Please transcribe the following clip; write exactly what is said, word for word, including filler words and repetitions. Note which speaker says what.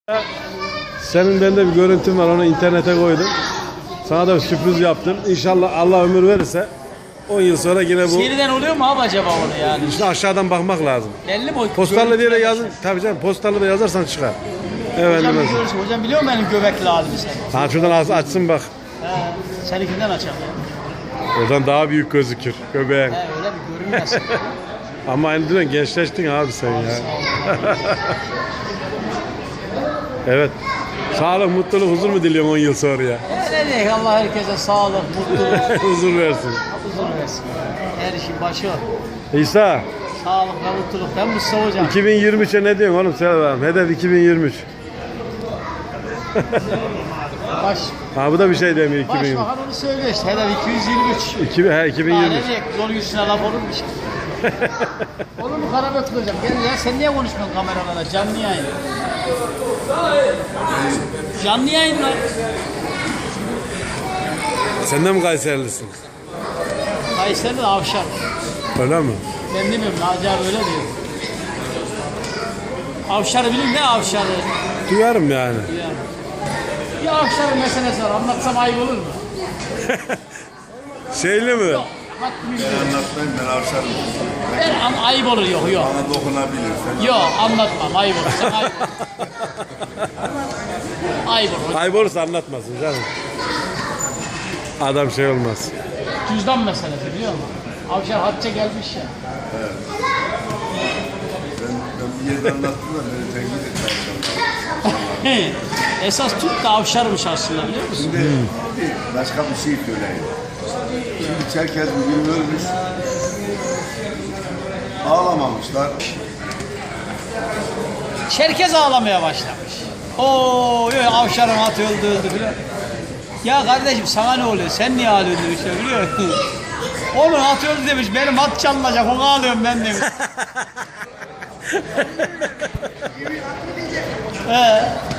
Speaker 1: Senin bende bir görüntün var, onu internete koydum. Sana da bir sürpriz yaptım. İnşallah Allah ömür verirse on yıl sonra yine bu.
Speaker 2: Seriden oluyor mu abi acaba onu yani?
Speaker 1: İşte aşağıdan bakmak lazım.
Speaker 2: Belli mi o?
Speaker 1: Postallı diye de yazın. Tabii canım, postallı da yazarsan çıkar. Evet.
Speaker 2: Hocam, bir görürsün. Hocam biliyor musun benim göbekli halimi sen?
Speaker 1: Ha, şuradan aç- açsın bak.
Speaker 2: He, seninkinden açalım.
Speaker 1: Oradan daha büyük gözükür göbeğin.
Speaker 2: He, öyle bir görünmesin.
Speaker 1: Ama aynı diyorsun, gençleştin abi sen ya. Evet. Sağlık, mutluluk, huzur mu diliyorsun on yıl sonra ya?
Speaker 2: Ne diyeyim, Allah herkese sağlık, mutluluk,
Speaker 1: Huzur versin.
Speaker 2: huzur versin. Her işin başı o.
Speaker 1: İsa,
Speaker 2: Sağlık ve mutluluk. Ben Mustafa hocam.
Speaker 1: iki bin yirmi üçe ne diyorsun oğlum? Söyle bakalım. Hedef iki bin yirmi üç.
Speaker 2: Baş,
Speaker 1: Ha, bu da bir şey demiyor iki bin yirmi üç.
Speaker 2: Başbakan onu söylüyor işte. Hedef iki yüz yirmi üç.
Speaker 1: iki bin, he, iki bin yirmi üç.
Speaker 2: Daha ne diyecek? Yol yüzüne laf olur mu işte? Olur mu Karabötül hocam? Gel ya, sen niye konuşmuyorsun kameralara? Canlı yayın. Canlı yayın lan.
Speaker 1: Sen de mi Kayserilisin?
Speaker 2: Kayseri'de avşar.
Speaker 1: Öyle mi?
Speaker 2: Ben demiyorum, Naci abi öyle diyor. Avşarı bilin, ne avşarı?
Speaker 1: Duyarım yani.
Speaker 2: Yani. Bir avşarın meselesi var, anlatsam ayıp olur mu?
Speaker 1: Şeyli mi?
Speaker 2: Yok, bak bilmiyorum.
Speaker 3: Anlatmayın, ben avşarım.
Speaker 2: Ben an- ayıp olur, yok yok.
Speaker 3: Bana dokunabilir.
Speaker 2: Yok, anlatmam, ayıp olur. Sen ayıp olur. Ayıp olur.
Speaker 1: Ayıp olursa anlatmasın canım. Adam şey olmaz.
Speaker 2: Cüzdan meselesi biliyor musun? Avşar hacca gelmiş ya.
Speaker 3: Ben, ben bir yerde anlattım da beni tenkit etti avşarlar.
Speaker 2: Esas Türk de avşarmış aslında, biliyor musun?
Speaker 3: Şimdi başka bir şey söyleyeyim. Şimdi Çerkez bugün ölmüş. Ağlamamışlar.
Speaker 2: Çerkez ağlamaya başlamış. Oo, yok avşarın atı öldü öldü filan. Ya kardeşim sana ne oluyor? Sen niye ağlıyorsun demişler, biliyor musun? Onun atı öldü demiş, benim at çalınacak, onu ağlıyorum ben demiş. He.